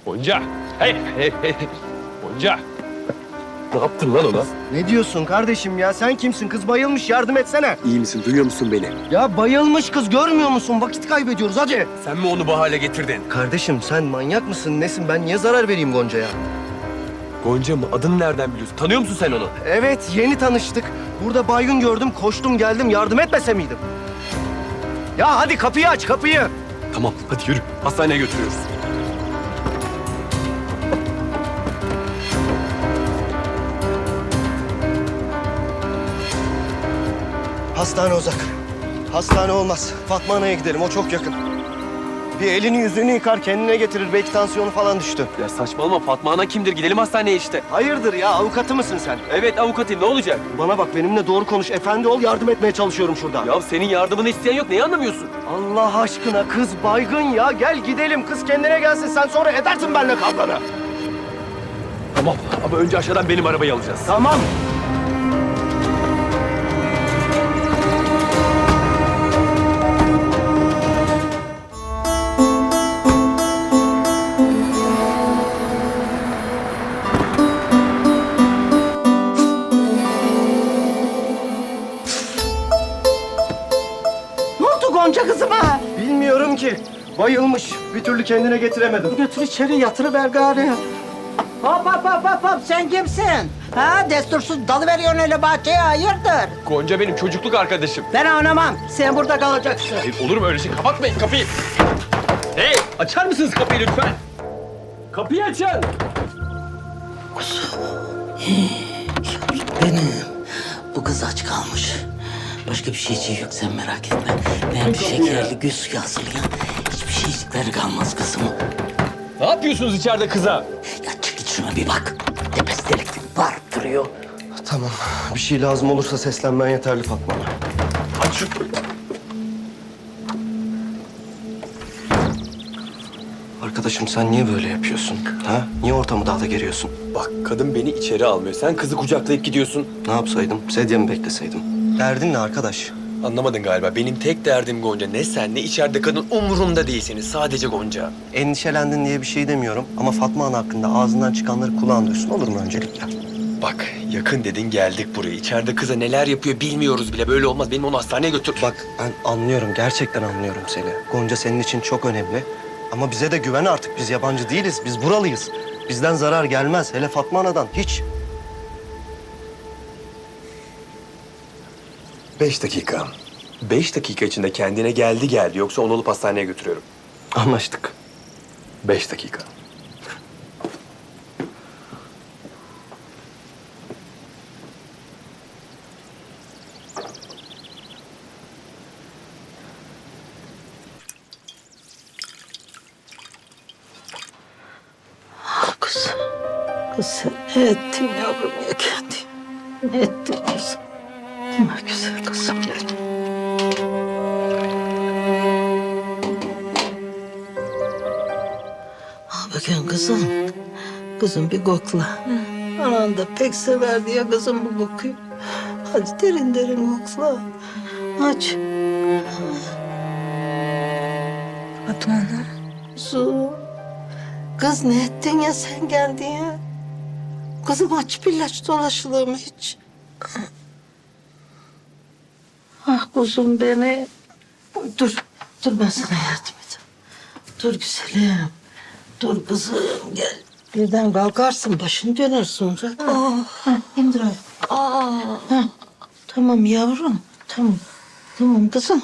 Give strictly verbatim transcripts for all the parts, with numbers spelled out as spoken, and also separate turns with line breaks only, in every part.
Gonca. Hey, hey, hey. Gonca. Ne yaptın lan ona?
Ne diyorsun kardeşim ya? Sen kimsin? Kız bayılmış. Yardım etsene.
İyi misin? Duyuyor musun beni?
Ya bayılmış kız. Görmüyor musun? Vakit kaybediyoruz. Hadi.
Sen mi onu bu hale getirdin?
Kardeşim sen manyak mısın? Nesin? Ben niye zarar vereyim Gonca'ya?
Gonca mı? Adını nereden biliyorsun? Tanıyor musun sen onu?
Evet, yeni tanıştık. Burada baygın gördüm. Koştum geldim. Yardım etmese miydim? Ya hadi kapıyı aç, kapıyı.
Tamam, hadi yürü. Hastaneye götürüyoruz.
Hastane uzak. Hastane olmaz. Fatma Ana'ya gidelim. O çok yakın. Bir elini yüzünü yıkar, kendine getirir. Belki tansiyonu falan düştü.
Ya saçmalama. Fatma Ana kimdir? Gidelim hastaneye işte.
Hayırdır ya? Avukatı mısın sen?
Evet, avukatıyım. Ne olacak?
Bana bak, benimle doğru konuş. Efendi ol, yardım etmeye çalışıyorum şurada.
Ya senin yardımını isteyen yok. Neyi anlamıyorsun?
Allah aşkına kız baygın ya. Gel gidelim. Kız kendine gelsin. Sen sonra edersin benimle kavganı.
Tamam ama önce aşağıdan benim arabayı alacağız.
Tamam.
Ne oldu Gonca kızıma?
Bilmiyorum ki. Bayılmış. Bir türlü kendine getiremedim.
Götür içeri yatırıver gari. Hop hop hop hop hop sen kimsin? Ha destursuz dalıveriyorsun öyle bahçeye hayırdır?
Gonca benim çocukluk arkadaşım.
Ben oynamam. Sen burada kalacaksın.
Hayır, olur mu öyle şey? Kapatmayın kapıyı. Hey, açar mısınız kapıyı lütfen? Kapıyı açın.
Benim. Bu kız aç kalmış. Başka bir şeyciği yok sen merak etme. Ben bir şekerli gül suyu hazırlayan hiçbir şeycikleri kalmaz kızım.
Ne yapıyorsunuz içeride kıza?
Ya çık git şuna bir bak. Tepesi delik var duruyor.
Tamam. Bir şey lazım olursa seslenmen yeterli Fatma.
Aç şu.
Arkadaşım sen niye böyle yapıyorsun? Ha? Niye ortamı daha da geriyorsun?
Bak kadın beni içeri almıyor. Sen kızı kucaklayıp gidiyorsun.
Ne yapsaydım? Sedye mi bekleseydim? Derdin ne arkadaş?
Anlamadın galiba. Benim tek derdim Gonca. Ne sen ne içeride kadın umurumda değilsiniz. Sadece Gonca.
Endişelendin diye bir şey demiyorum ama Fatma Ana hakkında ağzından çıkanları kulağın duysun, olur mu öncelikle?
Bak yakın dedin geldik buraya. İçeride kıza neler yapıyor bilmiyoruz bile. Böyle olmaz. Benim onu hastaneye götür.
Bak ben anlıyorum, gerçekten anlıyorum seni. Gonca senin için çok önemli. Ama bize de güven artık. Biz yabancı değiliz, biz buralıyız. Bizden zarar gelmez, hele Fatma Ana'dan hiç.
Beş dakika. Beş dakika içinde kendine geldi geldi. Yoksa onu alıp hastaneye götürüyorum.
Anlaştık.
Beş dakika.
Kız. Kız sen ne ettin yavrum ya kendi? Ne ettin kızım? Ne güzel kızım benim. Al bakayım kızım. Kızım bir kokla. Anan da pek severdi ya kızım bu kokuyu. Hadi derin derin kokla. Aç.
Fatma Ana.
Kuzum. Kız ne ettin ya sen geldin ya? Kızım aç bir ilaç dolaşılır mı hiç? Ah kuzum beni. Dur, dur ben sana yardım edeyim. Dur güzelim. Dur kızım gel. Birden kalkarsın başın döner sonra. Oh. Ha, indir ayağını.
Aa,
Ha, tamam yavrum. Tamam. Tamam kızım.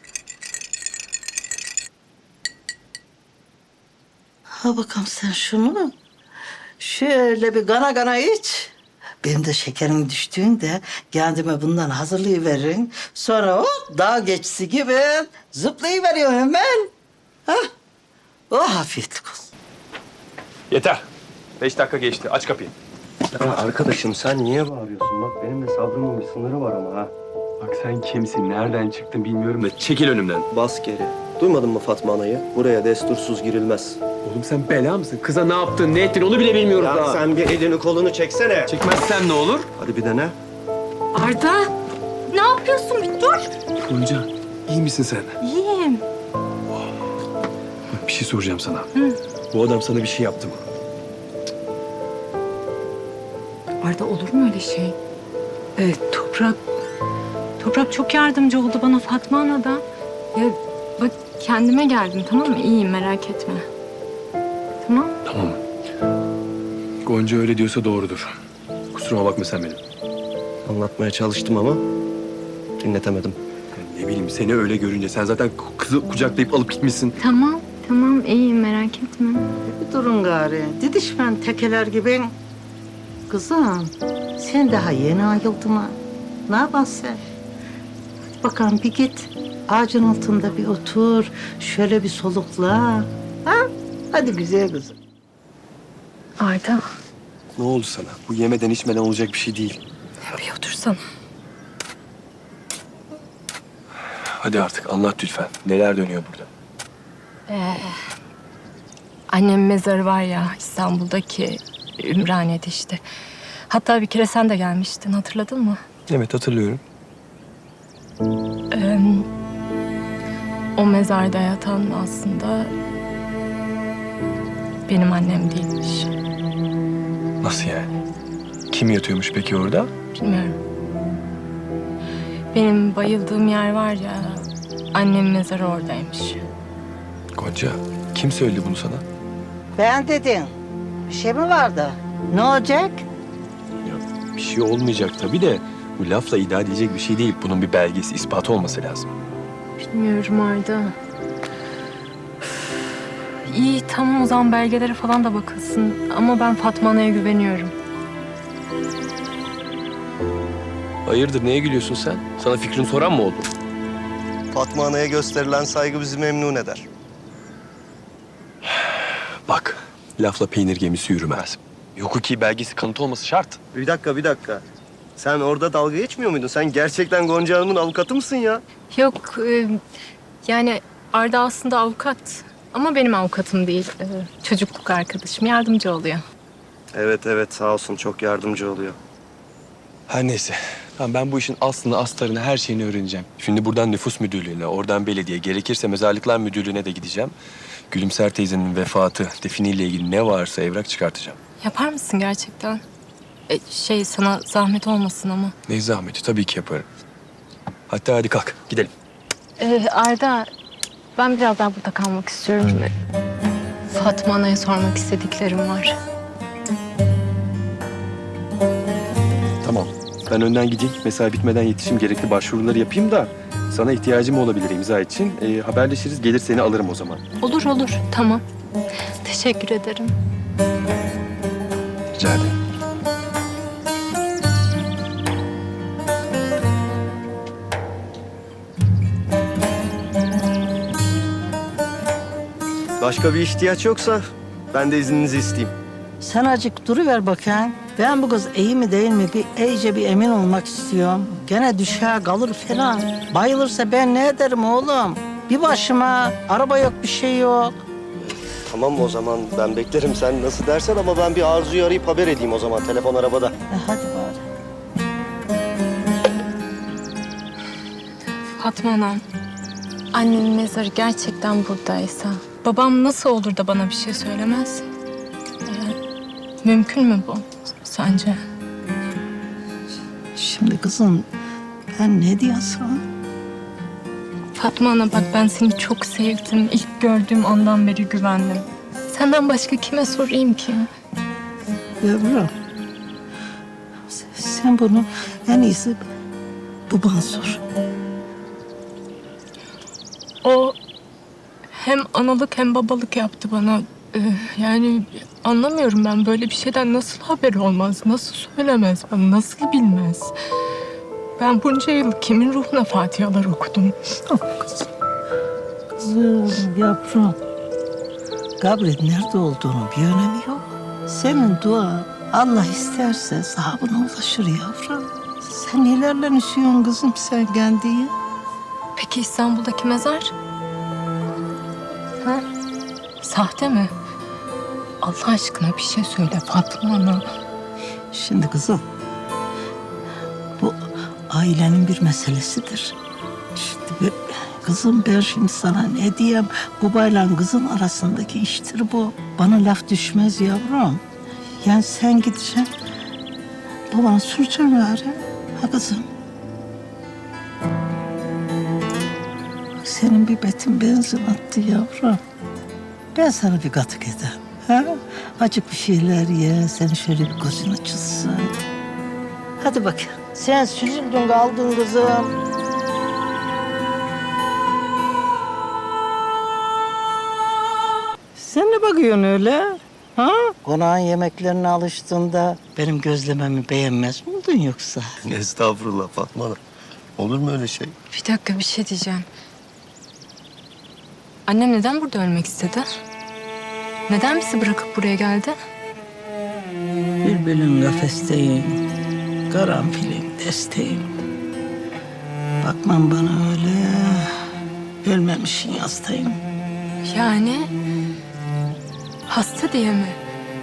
Ha bakalım sen şunu. Şöyle bir gana gana iç. Benim de şekerim düştüğünde kendime bundan hazırlayıverin. Sonra hop dağ geçisi gibi zıplayıveriyor hemen. Ha? Oh afiyetlik olsun.
Yeter. Beş dakika geçti. Aç kapıyı.
Ya arkadaşım sen niye bağırıyorsun? Bak benim de sabrımın bir sınırı var ama ha.
Bak sen kimsin? Nereden çıktın bilmiyorum da çekil önümden.
Bas geri. Duymadın mı Fatma Ana'yı? Buraya destursuz girilmez.
Oğlum sen bela mısın? Kıza ne yaptın, ne ettin onu bile bilmiyoruz
Ya
daha.
sen bir elini kolunu çeksene.
Çekmezsen ne olur?
Hadi bir dene.
Arda. Ne yapıyorsun? Bir dur.
Gonca, iyi misin sen?
İyiyim.
Bak bir şey soracağım sana.
Hı.
Bu adam sana bir şey yaptı mı?
Arda olur mu öyle şey? Evet, Toprak... Toprak çok yardımcı oldu bana Fatma Ana'da. Ya bak kendime geldim tamam mı? İyiyim merak etme. Tamam.
Tamam. Gonca öyle diyorsa doğrudur. Kusuruma bakma sen benim.
Anlatmaya çalıştım ama dinletemedim.
Yani ne bileyim seni öyle görünce sen zaten kızı kucaklayıp alıp gitmişsin.
Tamam, tamam iyiyim merak etme.
Bir durun gari. Didişmen tekeler gibi. Kızım, sen daha yeni ayıldın ha. Ne yaparsın sen? Hadi bakalım bir git. Ağacın altında bir otur. Şöyle bir solukla. Ha? Hadi güzel kızım.
Arda,
Ne oldu sana? Bu yemeden içmeden olacak bir şey değil.
bir otursana.
Hadi artık anlat lütfen. Neler dönüyor burada?
Annemin mezarı var ya İstanbul'daki Ümraniye'de işte. Hatta bir kere sen de gelmiştin hatırladın mı?
Evet hatırlıyorum.
Ee, o mezarda yatan aslında benim annem değilmiş.
Nasıl yani? Kim yatıyormuş peki orada?
Bilmiyorum. Benim bayıldığım yer var ya, annemin mezarı oradaymış.
Gonca, kim söyledi bunu sana?
Ben dedim. Bir şey mi vardı? Ne olacak?
Ya, bir şey olmayacak tabii de bu lafla iddia edilecek bir şey değil. Bunun bir belgesi, ispatı olması lazım.
Bilmiyorum Arda. İyi tamam o zaman belgelere falan da bakılsın. Ama ben Fatma Ana'ya güveniyorum.
Hayırdır, neye gülüyorsun sen? Sana fikrini soran mı oldu?
Fatma Ana'ya gösterilen saygı bizi memnun eder.
Bak, lafla peynir gemisi yürümez. Hukuki belgesi kanıt olması şart.
Bir dakika, bir dakika. Sen orada dalga geçmiyor muydun? Sen gerçekten Gonca Hanım'ın avukatı mısın ya?
Yok e, yani Arda aslında avukat. Ama benim avukatım değil. E, çocukluk arkadaşım yardımcı oluyor.
Evet, evet. Sağ olsun. Çok yardımcı oluyor.
Her neyse. Tamam, ben bu işin aslını, astarını, her şeyini öğreneceğim. Şimdi buradan nüfus müdürlüğüne, oradan belediye, gerekirse mezarlıklar müdürlüğüne de gideceğim. Gülümser teyzenin vefatı, definiyle ilgili ne varsa evrak çıkartacağım.
Yapar mısın gerçekten? E, şey sana zahmet olmasın ama.
Ne zahmeti, tabii ki yaparım. Hatta hadi kalk, gidelim.
Ee, Arda, ben biraz daha burada kalmak istiyorum. Fatma Ana'ya sormak istediklerim var.
Tamam. Ben önden gideyim, mesai bitmeden yetişim, gerekli başvuruları yapayım da... ...sana ihtiyacım olabilir imza için. Ee, haberleşiriz, gelir seni alırım o zaman.
Olur olur, tamam. Teşekkür ederim.
Rica ederim.
Başka bir ihtiyaç yoksa ben de izninizi isteyeyim.
Sen acık duruver bakayım. Ben bu kız iyi mi değil mi bir iyice bir emin olmak istiyorum. Gene düşer kalır falan. Bayılırsa ben ne ederim oğlum? Bir başıma araba yok bir şey yok.
Tamam o zaman ben beklerim sen nasıl dersen ama ben bir Arzu'yu arayıp haber edeyim o zaman. Telefon arabada.
E, hadi bari.
Fatma Anam, annemin mezarı gerçekten buradaysa... ...babam nasıl olur da bana bir şey söylemez? Ee, mümkün mü bu sence?
Şimdi kızım ben ne diyorsun?
Fatma Ana bak ben seni çok sevdim. İlk gördüğüm andan beri güvendim. Senden başka kime sorayım ki?
Yavrum. sen- Sen bunu en iyisi babana sor.
O hem analık hem babalık yaptı bana. Ee, yani anlamıyorum ben böyle bir şeyden nasıl haberi olmaz, nasıl söylemez, bana nasıl bilmez. Ben bunca yıl kimin ruhuna fatihalar okudum.
Oh, kızım. Kızım, yavrum. Kabrin nerede olduğunu bir önemi yok. Senin dua Allah isterse sahabına ulaşır yavrum. Sen nelerle üşüyorsun kızım sen kendiyi?
Peki İstanbul'daki mezar? Ha? Sahte mi? Allah aşkına bir şey söyle Fatma Ana.
Şimdi kızım, bu ailenin bir meselesidir. Şimdi ben- kızım ben şimdi sana ne diyeyim? Babayla kızın arasındaki iştir bu. bana laf düşmez yavrum. Yani sen gideceksin, babana soracaksın gari. Ha kızım? Bak senin bir betin benzin attı yavrum. Ben sana bir katık ederim. Ha? Acık bir şeyler ye, senin şöyle bir gözün açılsın. Hadi bakayım. Sen süzüldün kaldın kızım. Sen ne bakıyorsun öyle? Ha? Konağın yemeklerine alıştığında benim gözlememi beğenmez miydin yoksa?
Estağfurullah Fatma Ana. Olur mu öyle şey?
Bir dakika bir şey diyeceğim. Annem neden burada ölmek istedi? Neden bizi bırakıp buraya geldi?
Bülbülün kafesteyim, karanfilin desteğim. Bakmam bana öyle, ölmemişin yastayım.
Yani hasta diye mi?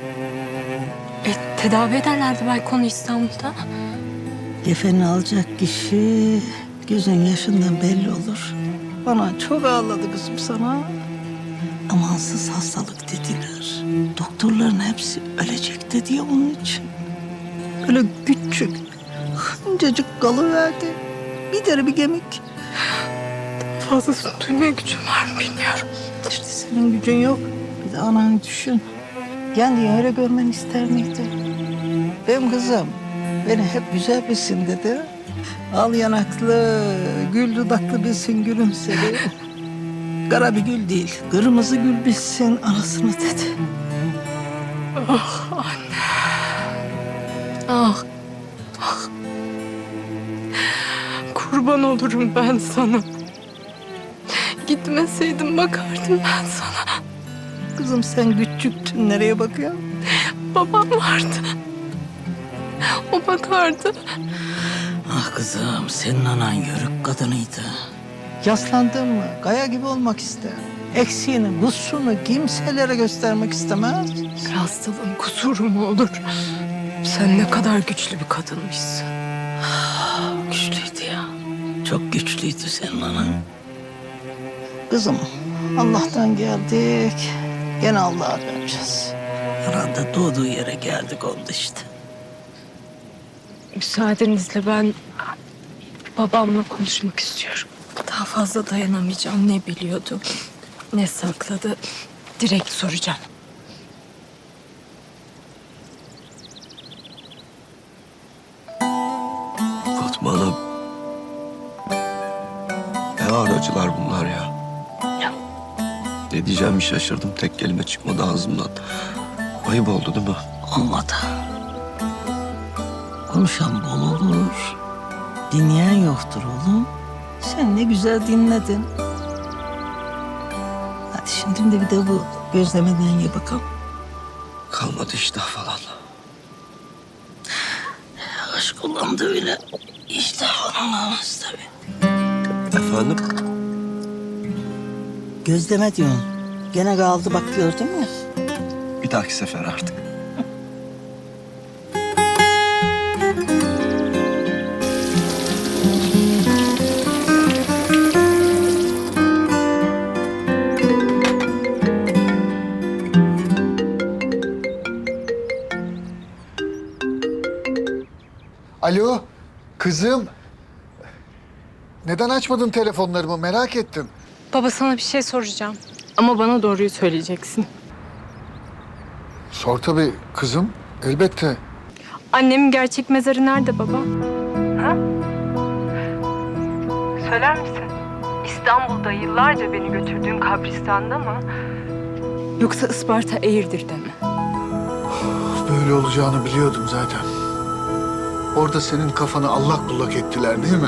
E, tedavi ederlerdi belki onu İstanbul'da.
Kefeni alacak kişi gözün yaşından belli olur. Bana çok ağladı kızım sana. Amansız hastalık dediler. Doktorların hepsi ölecek dedi ya onun için. Öyle küçük, hıncacık kalıverdi. Bir deri bir kemik.
Fazlası duymaya gücüm var mı bilmiyorum.
İşte senin gücün yok. Bir de ananı düşün. Kendini öyle görmeni ister miydi? Benim kızım beni hep güzel bilsin dedi. Al yanaklı, gül dudaklı bilsin gülümsedi. Kara bir gül değil, kırmızı gül bilsin anasını dedi.
Ah anne. Ah. Ah. Kurban olurum ben sana. Gitmeseydim bakardım ben sana.
Kızım sen küçüktün, nereye bakıyorsun?
Babam vardı. O bakardı.
Ah kızım, senin anan yörük kadınıydı. Yaslandın mı, kaya gibi olmak ister. Eksiğini, kusurunu kimselere göstermek istemez.
Bir hastalığın kusuru mu olur? Sen ne kadar güçlü bir kadınmışsın.
Güçlüydü ya. Çok güçlüydü senin anan. Kızım, Allah'tan geldik. Gene Allah'a döneceğiz. Herhalde doğduğu yere geldik oldu işte.
Müsaadenizle ben babamla konuşmak istiyorum. Daha fazla dayanamayacağım. Ne biliyordu, ne sakladı. Direkt soracağım.
Fatma Ana. Ne ağır acılar bunlar ya. Ne diyeceğimi şaşırdım. Tek kelime çıkmadı ağzımdan. Ayıp oldu değil mi?
Olmadı. Konuşan bol olur. Dinleyen yoktur oğlum. Sen ne güzel dinledin. Hadi şimdi de bir de bu gözlemeden ye bakalım.
Kalmadı iştah falan.
Aşk olan da öyle. İşte falan olmaz tabii.
Efendim?
Gözleme diyorsun. Gene kaldı bak gördün mü?
Bir dahaki sefer artık.
Alo, kızım. Neden açmadın telefonlarımı merak ettim.
Baba sana bir şey soracağım. Ama bana doğruyu söyleyeceksin.
Sor tabii kızım, elbette.
Annemin gerçek mezarı nerede baba? Ha? Söyler misin? İstanbul'da yıllarca beni götürdüğün kabristanda mı? Yoksa Isparta Eğirdir'de mi?
Böyle olacağını biliyordum zaten. Orada senin kafanı allak bullak ettiler değil mi?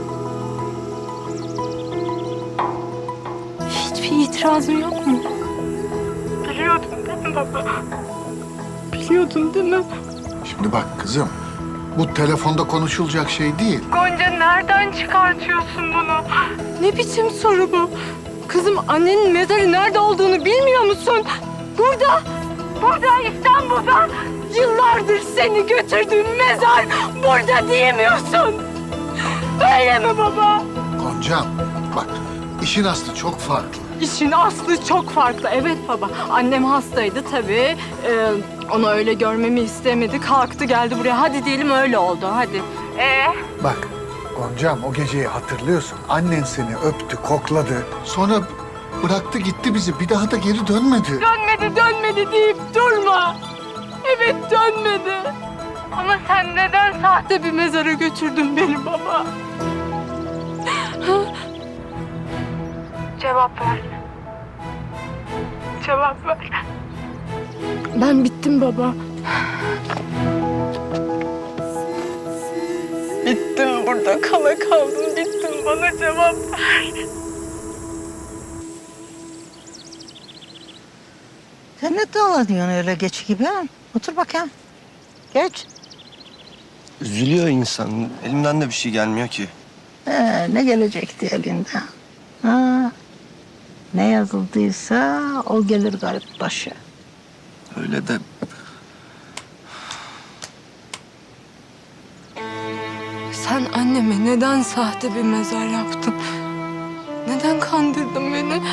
Hiçbir itirazın yok mu? Biliyordun değil mi baba? Biliyordun değil mi?
Şimdi bak kızım, bu telefonda konuşulacak şey değil.
Gonca nereden çıkartıyorsun bunu? Ne biçim soru bu? Kızım annenin mezarı nerede olduğunu bilmiyor musun? Burada, burada İstanbul'da yıllardır seni götürdüğüm mezar burada diyemiyorsun. Öyle mi baba?
Goncam, bak işin aslı çok farklı.
işin aslı çok farklı. Evet baba, annem hastaydı tabii. Ee, onu öyle görmemi istemedi. Kalktı geldi buraya. Hadi diyelim öyle oldu, hadi. Ee?
Bak Goncam, o geceyi hatırlıyorsun. Annen seni öptü, kokladı. Sonra bıraktı gitti bizi. Bir daha da geri dönmedi.
Dönmedi, dönmedi deyip durma. Evet, dönmedi. Ama sen neden sahte bir mezara götürdün beni baba? Cevap ver. Cevap ver. Ben bittim baba. Bittim burada, kala kaldım, bittim. Bana cevap ver.
Sen ne dolanıyorsun öyle geç gibi ha? Otur bakayım. Geç.
Üzülüyor insan. Elimden de bir şey gelmiyor ki.
Ee, ne gelecekti elinden? Ha, ne yazıldıysa o gelir garip başı.
Öyle de
Sen anneme neden sahte bir mezar yaptın? Neden kandırdın beni?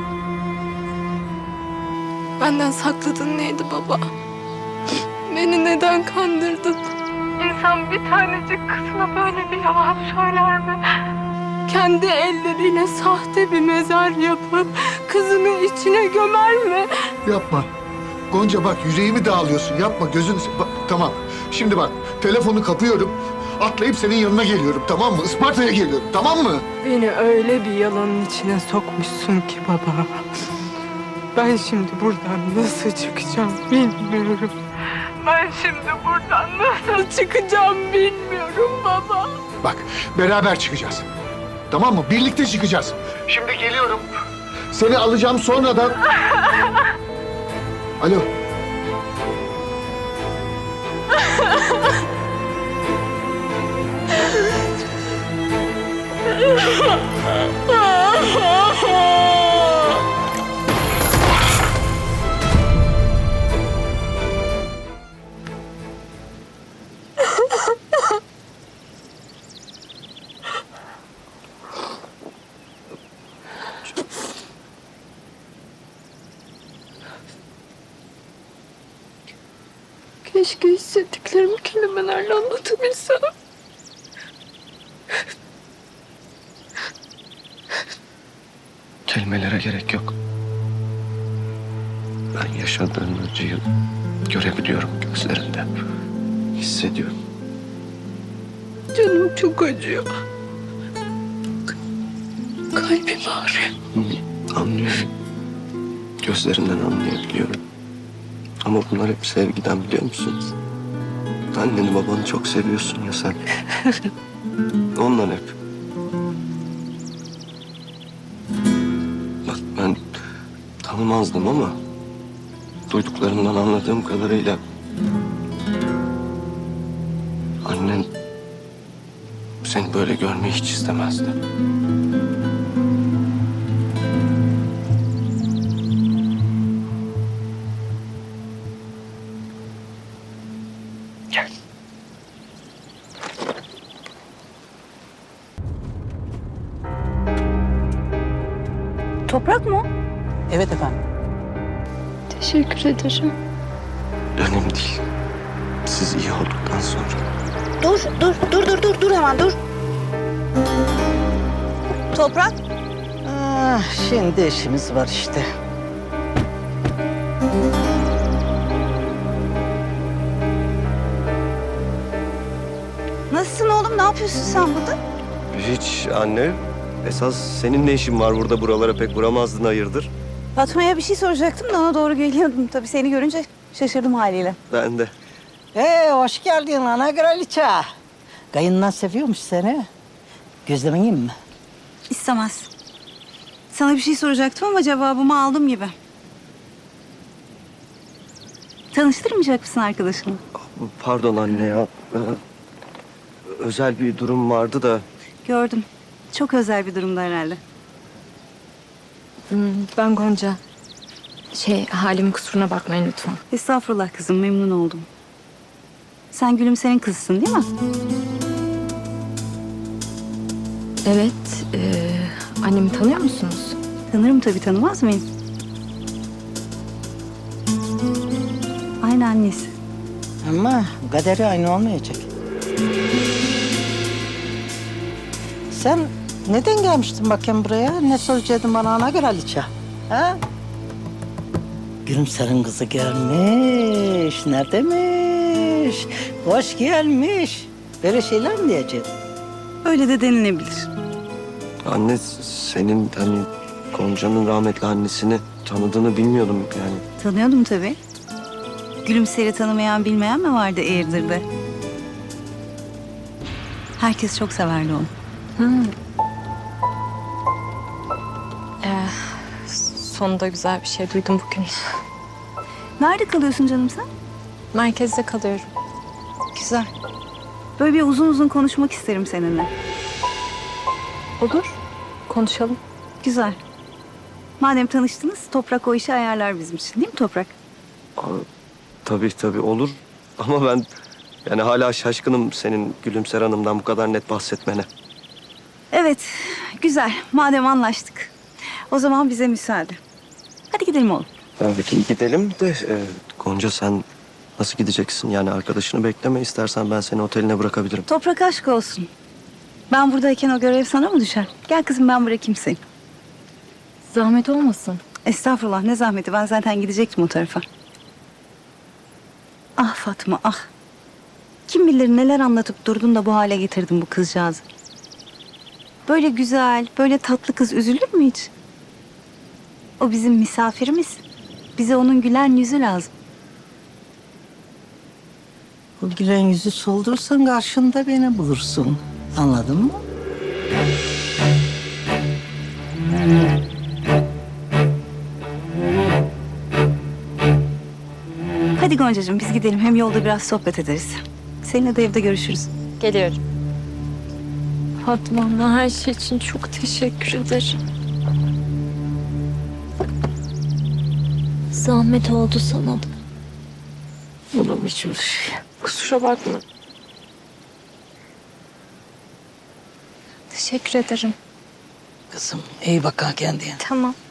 Benden sakladığın neydi baba? Beni neden kandırdın? İnsan bir tanecik kızına böyle bir yalan söyler mi? Kendi elleriyle sahte bir mezar yapıp kızını içine gömer mi?
Yapma. Gonca bak, yüreğimi dağılıyorsun. Yapma, gözünü... se- Bak, tamam. Şimdi bak, telefonu kapıyorum. Atlayıp senin yanına geliyorum, tamam mı? Isparta'ya geliyorum, tamam mı?
Beni öyle bir yalanın içine sokmuşsun ki baba. Ben şimdi buradan nasıl çıkacağım bilmiyorum. Ben şimdi buradan nasıl çıkacağım bilmiyorum baba.
Bak, beraber çıkacağız. Tamam mı? Birlikte çıkacağız. Şimdi geliyorum. Seni alacağım sonradan. Alo.
Keşke hissettiklerimi kelimelerle anlatabilsem.
kelimelere gerek yok. Ben yaşadığın acıyı görebiliyorum gözlerinde. Hissediyorum.
Canım çok acıyor. Kalbim ağrıyor.
Hı, anlıyorum. Gözlerinden anlayabiliyorum. Ama bunlar hep sevgiden, biliyor musun? Anneni babanı çok seviyorsun ya sen. Ondan hep. Bak ben tanımazdım ama duyduklarımdan anladığım kadarıyla annen seni böyle görmeyi hiç istemezdi. Gel.
Toprak mı?
Evet efendim.
Teşekkür ederim.
Önemli değil. Siz iyi olduktan sonra.
Dur, dur, dur, dur, dur, dur hemen dur. Toprak.
Ah, şimdi işimiz var işte.
Nasılsın oğlum? Ne yapıyorsun sen burada?
Hiç anne. Esas senin ne işin var burada, buralara pek vuramazdın, hayırdır?
Fatma'ya bir şey soracaktım da ona doğru geliyordum. Tabii seni görünce şaşırdım haliyle.
Ben de.
Ee, hoş geldin ana kraliçe. Kayınlan seviyormuş seni. Gözlemen yiyeyim mi?
İstemez. Sana bir şey soracaktım ama cevabımı aldım gibi. Tanıştırmayacak mısın arkadaşını?
Pardon anne ya. Ee, özel bir durum vardı da.
Gördüm. Çok özel bir durumda herhalde.
Ben Gonca. Şey, halimin kusuruna bakmayın lütfen.
Estağfurullah kızım, memnun oldum. Sen Gülümser'in kızısın değil mi?
Evet, e, annemi tanıyor musunuz?
Tanırım tabii, tanımaz mıyım? Aynı annesi.
Ama kaderi aynı olmayacak. Sen neden gelmiştin bakayım buraya? Ne soracaktın bana ana göre Aliça? Ha? Gülümser'in kızı gelmiş. Ne demiş? Hoş gelmiş. Böyle şeyler mi diyeceksin?
Öyle de denilebilir.
Anne senin hani Gonca'nın rahmetli annesini tanıdığını bilmiyordum yani.
Tanıyordum tabii. Gülümser'i tanımayan bilmeyen mi vardı Eğirdir'de? Herkes çok severdi onu.
Sonunda güzel bir şey duydum bugün.
Nerede kalıyorsun canım sen?
Merkezde kalıyorum.
Güzel. Böyle bir uzun uzun konuşmak isterim seninle.
Olur. Konuşalım.
Güzel. Madem tanıştınız, Toprak o işi ayarlar bizim için, değil mi Toprak?
Aa, tabii tabii olur. Ama ben yani hala şaşkınım senin Gülümser Hanım'dan bu kadar net bahsetmene.
Evet, güzel. Madem anlaştık. O zaman bize müsaade. Hadi gidelim oğlum.
Evet gidelim de e, Gonca sen nasıl gideceksin? Yani arkadaşını bekleme, istersen ben seni oteline bırakabilirim.
Toprak aşk olsun. Ben buradayken o görev sana mı düşer? Gel kızım, ben bırakayım seni.
Zahmet olmasın.
Estağfurullah, ne zahmeti. Ben zaten gidecektim o tarafa. Ah Fatma, ah. Kim bilir neler anlatıp durdun da bu hale getirdin bu kızcağızı. Böyle güzel, böyle tatlı kız üzülür mü hiç? O bizim misafirimiz. Bize onun gülen yüzü lazım.
Bu gülen yüzü soldursan karşında beni bulursun. Anladın mı?
Hadi Goncacığım, biz gidelim. Hem yolda biraz sohbet ederiz. Seninle de evde görüşürüz.
Geliyorum. Fatma abla, her şey için çok teşekkür ederim. Zahmet oldu sana da.
Bunun için bir şey.
Kusura bakma. Teşekkür ederim.
Kızım iyi bak ha kendine.
Tamam.